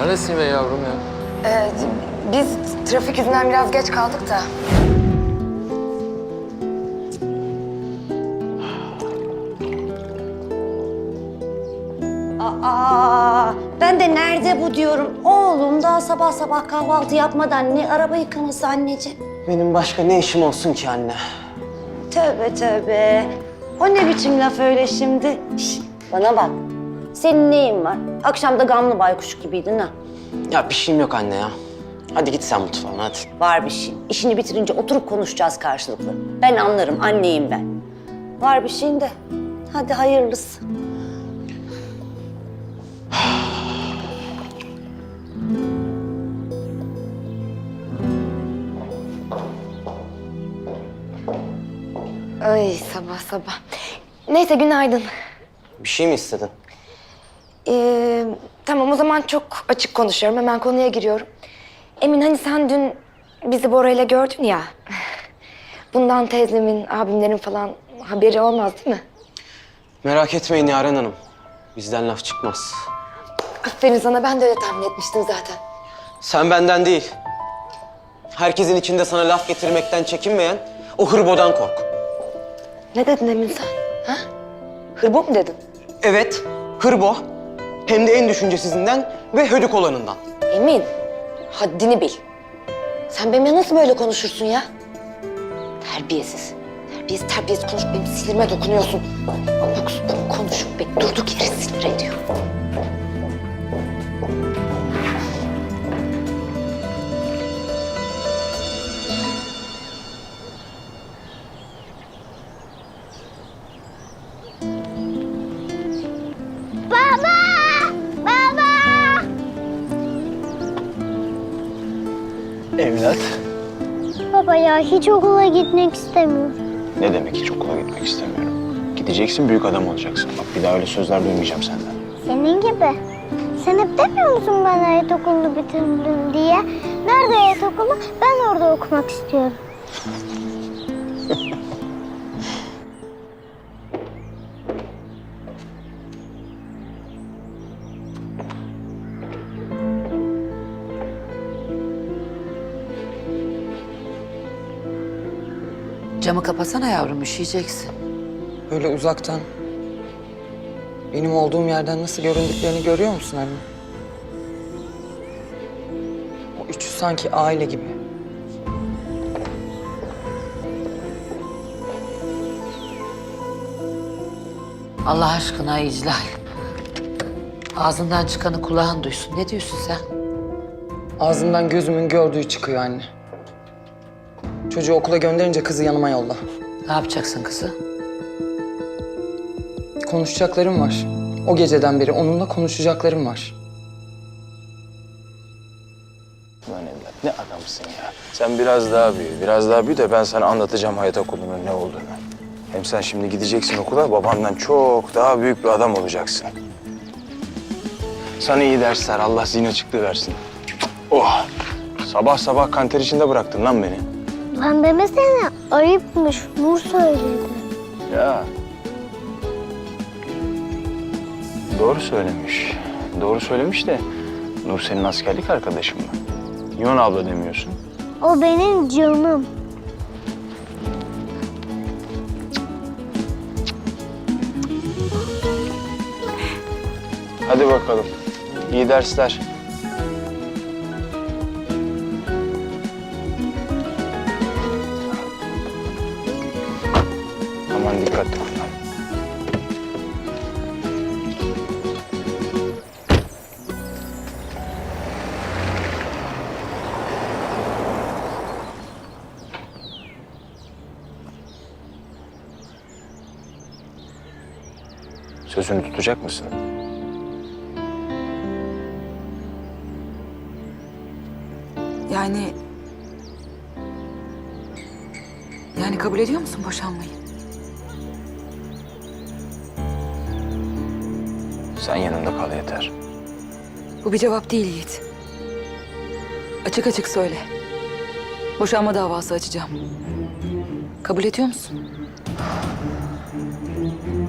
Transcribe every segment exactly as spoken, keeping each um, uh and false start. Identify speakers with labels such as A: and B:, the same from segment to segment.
A: Neredesin be yavrum ya?
B: Ee, biz trafik yüzünden biraz geç kaldık da.
C: Aa, ben de nerede bu diyorum. Oğlum daha sabah sabah kahvaltı yapmadan ne araba yıkaması anneciğim.
D: Benim başka ne işim olsun ki anne?
C: Tövbe tövbe. O ne biçim laf öyle şimdi? Şişt, bana bak. Senin neyin var? Akşam da gamlı baykuş gibiydin ha.
D: Ya bir şeyim yok anne ya. Hadi git sen mutfağına hadi.
C: Var bir şey. İşini bitirince oturup konuşacağız karşılıklı. Ben anlarım, anneyim ben. Var bir şeyin de. Hadi hayırlısı.
B: Ay sabah sabah. Neyse günaydın.
D: Bir şey mi istedin?
B: Ee, tamam o zaman çok açık konuşuyorum. Hemen konuya giriyorum. Emin hani sen dün bizi Bora'yla gördün ya. Bundan teyzemin, abimlerin falan haberi olmaz değil mi?
D: Merak etmeyin Yaren Hanım. Bizden laf çıkmaz.
B: Aferin sana, ben de öyle tahmin etmiştim zaten.
D: Sen benden değil. Herkesin içinde sana laf getirmekten çekinmeyen o hırbodan kork.
B: Ne dedin Emin sen? Ha? Hırbo mu dedin?
D: Evet, hırbo. Hem de en düşüncesizinden ve hödük olanından.
B: Emin, haddini bil. Sen benimle nasıl böyle konuşursun ya? Terbiyesiz. Terbiyesiz, terbiyesiz konuş. Benim sinirime dokunuyorsun. Yoksa bu konuşup beni durduk yere sinir ediyor.
E: Evlat.
F: Baba ya hiç okula gitmek istemiyorum.
E: Ne demek hiç okula gitmek istemiyorum? Gideceksin, büyük adam olacaksın. Bak bir daha öyle sözler duymayacağım senden.
F: Senin gibi. Sen hep demiyor musun ben hayat okulunu bitirdim diye? Nerede hayat okulu? Ben orada okumak istiyorum.
G: Camı kapasana yavrum, üşüyeceksin.
H: Böyle uzaktan, benim olduğum yerden nasıl göründüklerini görüyor musun anne? O üçü sanki aile gibi.
G: Allah aşkına İclal. Ağzından çıkanı kulağın duysun. Ne diyorsun sen?
H: Ağzımdan gözümün gördüğü çıkıyor anne. Çocuğu okula gönderince kızı yanıma yolla.
G: Ne yapacaksın kızı?
H: Konuşacaklarım var. O geceden beri onunla konuşacaklarım var.
E: Lan evlat ne adamsın ya. Sen biraz daha büyü, biraz daha büyü de ben sana anlatacağım hayat okulunun ne olduğunu. Hem sen şimdi gideceksin okula, babandan çok daha büyük bir adam olacaksın. Sana iyi dersler, Allah zihin açıklığı versin. Oh! Sabah sabah kanter içinde bıraktın lan beni.
F: Lan demesene ayıpmış. Nur söyledi.
E: Ya. Doğru söylemiş. Doğru söylemiş de Nur senin askerlik arkadaşın mı? Yunan abla demiyorsun.
F: O benim canım.
E: Hadi bakalım. İyi dersler. Aman dikkatli kullan. Sözünü tutacak mısın?
I: Yani... Yani kabul ediyor musun boşanmayı?
E: Sen yanımda kal yeter.
I: Bu bir cevap değil Yiğit. Açık açık söyle. Boşanma davası açacağım. Kabul ediyor musun?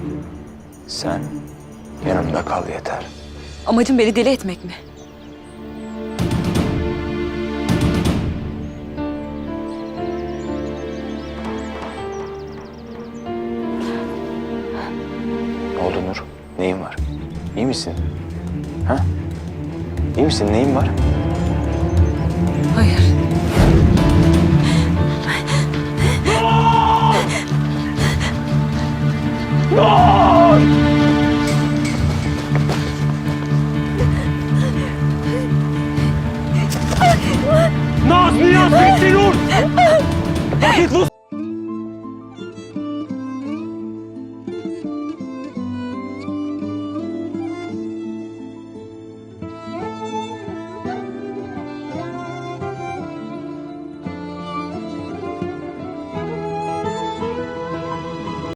E: Sen yanımda kal yeter.
I: Amacın beni deli etmek mi?
E: oldu Nur? Neyin var? İyi misin? Ha? İyi misin? Neyin var?
I: Hayır.
D: Naz, Niyaz, Bekle Nur! Vakit Luz!